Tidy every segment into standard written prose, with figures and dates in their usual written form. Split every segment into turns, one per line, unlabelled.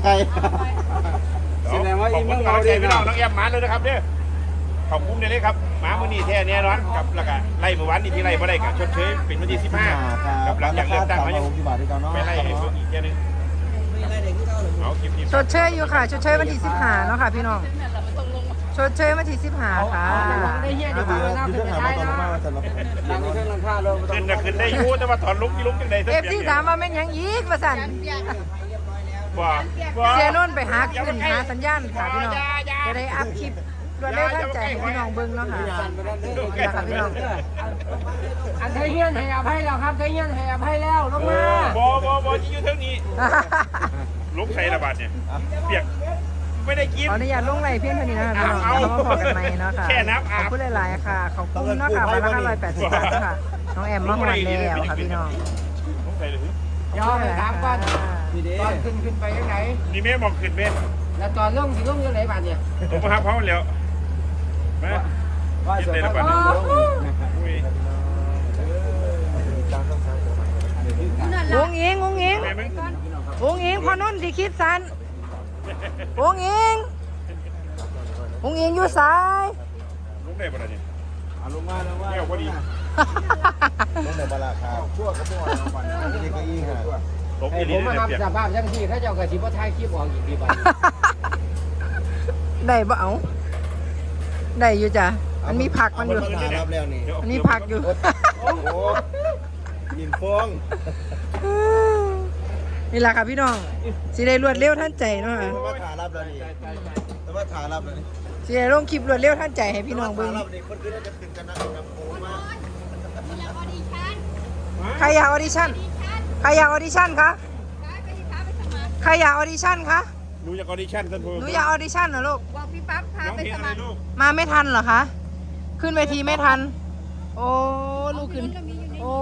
ไกล
แสดงว่าอีกน้องเราพี่น้องน้องแอมมาเลยนะครับเนี่ยขอบคุณเลยครับมาเมื่อนี้แท้แน่นอนกับแล้วก็ไล่เมื่อวานนี้ที่ไล่บ่ได้กับชดเชยเป็นวันที่15กับหลังจากเลือกตั้งเขายังไปไล่ให้เพิ่มอีกแค่นึงเอาคลิปนี้
ชดเชยอยู่ค่ะชดเชยวันที่15เนาะค่ะพี่น้องชดเชยวันที่15ค่ะ
ได้เฮียดีกว่าน่าขึ้นได้เนาะนั่งเครื่องลังค่าเลย
ขึ้นได้อยู่แต่ว่าถอนลุกที่ลุกยังไง
เอฟซีถามว่าแม่นยังอีกว่าสั่นเสียนุ่นไปหาขึ้นหาสัญญาณค่ะพี่น้องจะได้อัพคลิปรวดเร็วทันใจให้พี่น้องเบิ่งเนาะค่ะนี่ค่ะพี่น้อง
อันไทยเฮียนให้อภัยแล้วครับไทยเฮียนให้อภัยแล้วลงมา
บอที่อยู่เท่านี้ลุกใส่ระบาดเนี่ยเปียกไม่ได้กิน
ขออนุญาตลงไลน์เพียงเท่านี้นะคะพี่น้องแล้วมาพอกันใหม่เนาะค่ะขอบคุณหลายๆค่ะขอบคุณเนาะค่ะวันละ580 บาทค่ะน้องแอมมาหอดแล้วค่ะพี่น้อง
ลุกใส่เลย
ยอมถามก่อนตอนขึ้นไปยังไง
นี่แม่มองขึ้นแม่
แล้วตอนลงสิลงยังไงบ้านเนี่ย
ผมมาหาเขาแล้วมากินเลยระบาด
งงอิงพอนุ่นที่คิดสันงงอิงอยู่ซ้าย
ลุกได้ปะเนี่ย
ลงมา
แก้วพอดี
ลงในบาราคาชั่วกับพวกเราเด็กก็ยิ่งค่ะ
ผมมาทำสภาพยังที่ถ้าเจ้ากระชิบว่าท้ายคลิปออกอีกดีบ้าง
ได้บ่เอาได้อยู่จ้ะมันมีผักมันอยู่มันมีผักอยู่
ยินฟอง
นี่แหละค่ะพี่น้องสิได้รวดเร็วทันใจเนาะค่ะ
มาถ่ายรับแล้วนี่มาถ่ายรับแล้วนี่
สิได้ลงคลิปรวดเร็วทันใจให้พี่น้องเบิ่ง
คนคือจะถึงกันนะครับโอ้มา
ใครอยากออดิชั่นคะใครอยากออดิชั่นคะ
หนูอยากออดิชั่นท่านผู้
หนูอยากออดิชั่นเหรอลูก
บอกพี่ปั๊บพาไปสมัคร
มาไม่ทันเหรอคะขึ้นเวทีไม่ทันโอ้ลูกขึ้นโอ้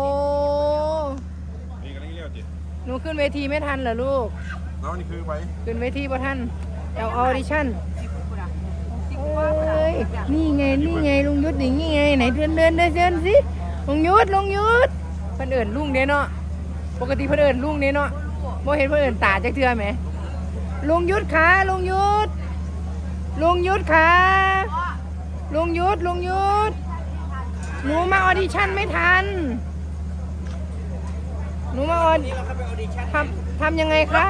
หนูขึ้นเวทีไม่ทันเหรอลูก
น้องนี่คือไว้
ขึ้นเวทีบ่ทันเอาออดิชั่นเอ้ยนี่ไงลุงยุทธนี่ไงไหนเดินสิลุงยุทธเพิ่นเอิ้นลุงเด้เนาะปกติเพิ่นเอิ้นลุงเด้เนาะบ่เห็นเพิ่นเอิ้นตาจักเทื่อแหมลุงยุทธค่ะลุงยุทธค่ะลุงยุทธหนูมาออดิชั่นไม่ทันหนูมาออดิทำยังไงคะ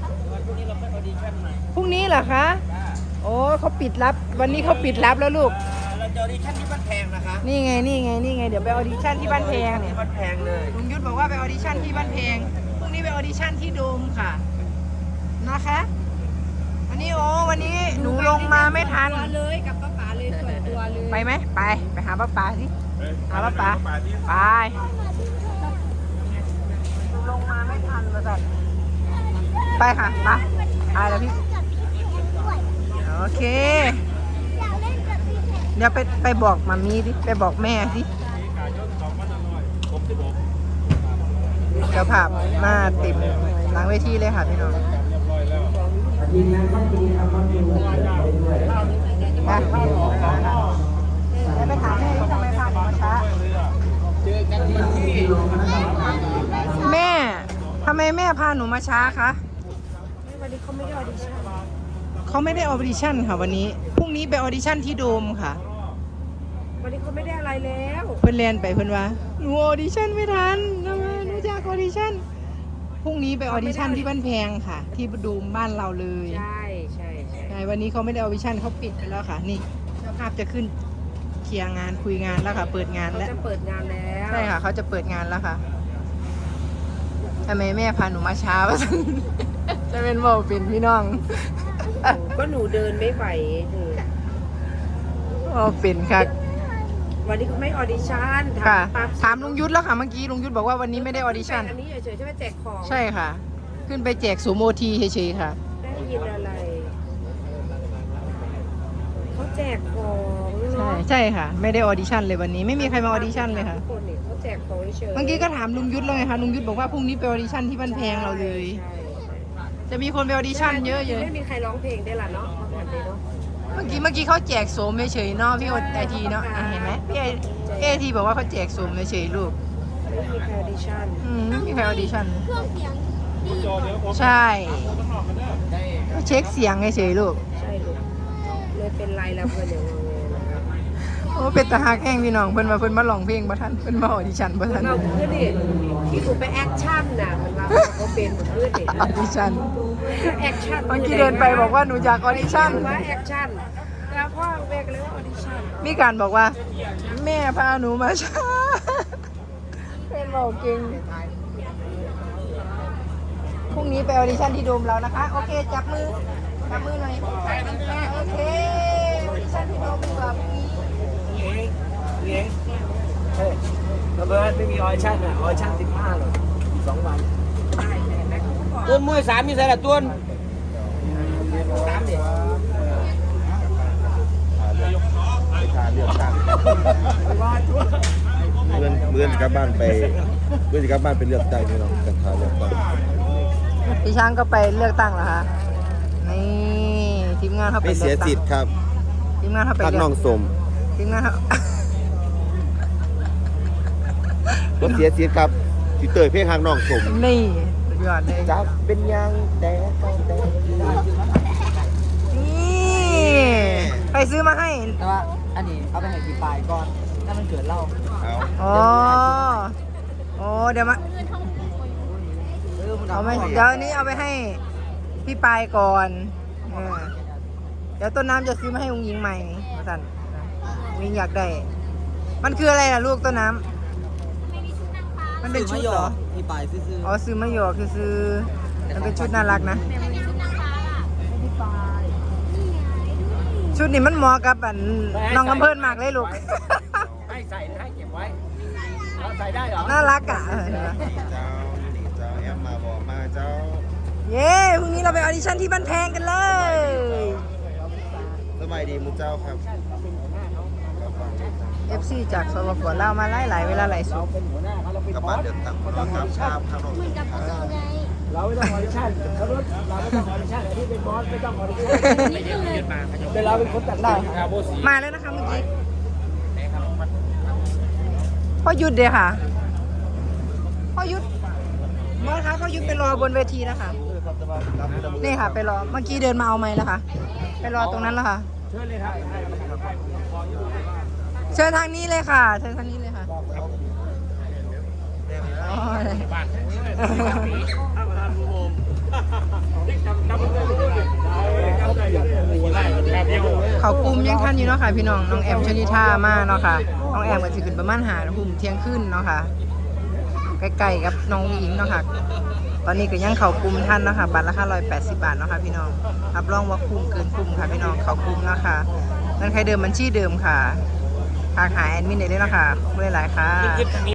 พรุ่งนี้เหรอคะโอ้เขาปิดรับวันนี้เขาปิดรับแล้วลูก
เราจะออดิชั่นที่บ้านแพงนะคะ
นี่ไงเดี๋ยวไปออดิชั่นที่บ้านแพงเนี่ย
บ้านแพงเลย
ลุงยุทธบอกว่าไปออดิชั่นที่บ้านแพงพรุ่งนี้ไปออดิชั่นที่โดมค่ะนะคะวันนี้หนูลงมาไม่ทัน
เลยกับป้าป๋าเลยส่วนตัวเลย
ไปไหมไปหาป้าป๋าสิหาป้าป๋าไปลงมาไม่ทันเลยจ้ะไปค่ะไปแล้วพี่โอเคเดี๋ยวไปบอกมามีดิไปบอกแม่สิเดี๋ยวภาพมาเต็มหลังเวทีเลยค่ะพี่น้อง
ยิงงานก็ดีทำก็ดี
ไปถามแม่ทำไมพาหนูมาช้า
เจอกันที่
แม่ทำไมแม่พาหนูมาช้าคะ
วันนี้เขาไม่ได้ออดิชั่น
ค่ะวันนี้พรุ่งนี้ไปออดิชั่นที่โดมค่ะ
วันนี้เขาไม่ได้อะไรแล้ว
เพิ่นเรียนไปเพิ่นว่าหนูออดิชั่นไม่ทันทำไมหนูอยากออดิชั่นพรุ่งนี้ไปออดิชั่นที่บ้านแพงค่ะที่โดมบ้านเราเลย
ใช่
วันนี้เขาไม่ได้ออดิชั่นเขาปิดไปแล้วค่ะนี่เจ้าภาพจะขึ้นเคลียร์งานคุยงานแล้วค่ะเปิดงานแล้ว
เขาจะเปิดงานแล้ว
ใช่ค่ะเขาจะเปิดงานแล้วค่ะทำไมแม่พาหนูมาช้าวะจะเป็นบอกเป็นพี่น้อง
ก็หนูเดินไม่ไหว
เป็นค่ะ
วันนี้เขาไม่ออดิชั่น
ค่ะถามลุงยุทธแล้วค่ะเมื่อกี้ลุงยุทธบอกว่าวันนี้ไม่ได้ออดิชั่น
อันนี้เฉยๆใช่ไหมแจกของ
ใช่ค่ะขึ้นไปแจกสูโมทีเฉยๆค่ะ
ได้ยินอะไรเขาแจกของ
ใช่ค่ะไม่ได้ออดิชั่นเลยวันนี้ไม่มีใครมาออดิชั่นเลยค่ะ
เขาแจกของเฉย
เมื่อกี้ก็ถามลุงยุทธแล้วไงคะลุงยุทธบอกว่าพรุ่งนี้ไปออดิชั่นที่บ้านแพงเราเลยจะมีคนไปออดิชั่นเยอะๆ
ไม่มีใครร้องเพลงได้ละเนาะ
เมื่อกี้เขาแจกโสมเฉยๆเนาะพี่ไอทีเนาะเห็นไหมพี่ไอทีบอกว่าเขาแจกโสมเฉยๆลูก
ไม่มีใครออดิชั่น
ไม่มีใครออดิชั่น
เครื่องเสียง
ใช่เช็คเสียงเฉยๆลูก
ใช่ลูกเลยเป็นไรแล้วเพื่อนอย่างงงนะครับ
โอ้เป็นตาหักแห้งพี่น้องเพิ่นมาร้องเพลงบ่ทันเพิ่นมาออดิชั่นบ่ทัน
เราเพื่อนดิที่กูไปแอคชั่นน่ะมันว่าเขาเป็นเพื่อนดิ
ออดิชั่น
แอคชั่น
เมื่อกี้เดินไปบอกว่าหนูอยากออดิชั่น
ว่าแอคชั่นแล้วพ่อเบกเลยว่าออดิชั่น
มีการบอกว่า แม่พาหนูมาช้าเป็นบอกเก่งพรุ่งนี้ไปออดิชั่นที่โดมแล้วนะคะ โอเค จับมือหน่อยโอเคออดิชั่นที่โดมดีกว่าพรุ่งนี้
ระเบิดไม่มีออดิชั่นอ่ะออดิชั่น15เลย2 วันต้นมวย3มีใส่ละต้น3ดิ
ไปทานเลือกตั้งเมื่อนกลับบ้านไปเมื่อนกลับบ้านไปเลือกตั้งพี่น้องกันทานเลือกตั้ง
พี่ช้างก็ไปเลือกตั้งเหรอคะนี่ทีมงานเขาไป
ไม่
เลื
เสีย
อกตั้
สิ
ง
ทธิ์ครับ
ทีมงานเขาไป
พัก
เลื
น้
อ
อก งสม
ทีมงานเขา
บ่เสียสิทธิ์ครับพี่เตยเพลงทางน้องสม
นี่สุดยอดเลย
จับเป็นยังแต่ต้องแต่
นี่ไปซื้อมาให้
แต่ว่าอันนี้เอาไปให้กี่ปลายก่อนถ้ามันเกิดเหล้า
เอา
อ๋อโอ้เดี๋ยวมา
มัน
เอาไหมเดี๋ยวอันนี้เอาไปให้พี่ปายก่อนเดี๋ยวต้นน้ำจะซื้อมาให้องค์หญิงใหม่สันองค์หญิงอยากได้ มันคืออะไรล่ะลูกต้นน้ำมันเป็นชุดเหรอ
กี่ปลายซื้อ
อ๋อซื้อมาหยอกคือซื้อมันเป็นชุดน่ารักนะ ชุดนี้มันเหมาะกับอันน้องลำเพิ่นมากเลยลูก
ให้ใส่หรือให้เก็บไว้เราใส่ได้เหรอ
น่ารักอ่ะ
เจ้านี่เจ้าแอมมาบอกมาเจ้า
เย้พรุ่งนี้เราไปออดิชั่นที่บ้านแพงกันเลย
สบายดีมุเจ้าครับ
FC จากสปปลาวมาหลายๆเวลาหลายสุด
เป็นหัวหน้าเขาเราเป็น
กลับบ
อ
บ้าน
ส
เดือดตั้งครับชาบครับน้องสมครับ
เราไม่ต้องออดิชั่นเขารถเราไม่ต้องออดิชั่นที่เป็นบอสไม่ต้องออดิชั่นแต่เราเป็นคนตัดได้
มาแล้วนะคะเมื่อกี้พ่อยุดเดียค่ะพ่อยุดเมื่อคะพ่อยุดไปรอบนเวทีแล้วค่ะนี่ค่ะ ไปรอเมื่อกี้เดินมาเอาไม้แล้วค่ะไปรอตรงนั้นแล้วค่ะ
เชิญเลยครับ
เชิญทางนี้เลยค่ะเชิญทางนี้เลยค่ะอ๋อเขากลุ่มยังทันอยู่เนาะค่ะพี่น้องน้องแอมชลิท่ามาเนาะค่ะน้องแอมก็จะขึ้นประมาณ5 ทุ่มเที่ยงคืนเนาะค่ะใกล้ๆกับน้องหญิงเนาะค่ะตอนนี้ก็ยังเขากลุ่มทันเนาะค่ะบัตรราคา180 บาทเนาะค่ะพี่น้องรับรองว่าคุ้มเกินคุ้มค่ะพี่น้องเขากลุ่มเนาะค่ะเงินใครเดิมบัญชีเดิมค่ะทางหาแอดมินได้เลยเนาะค่ะขอบคุณหลายๆค่ะ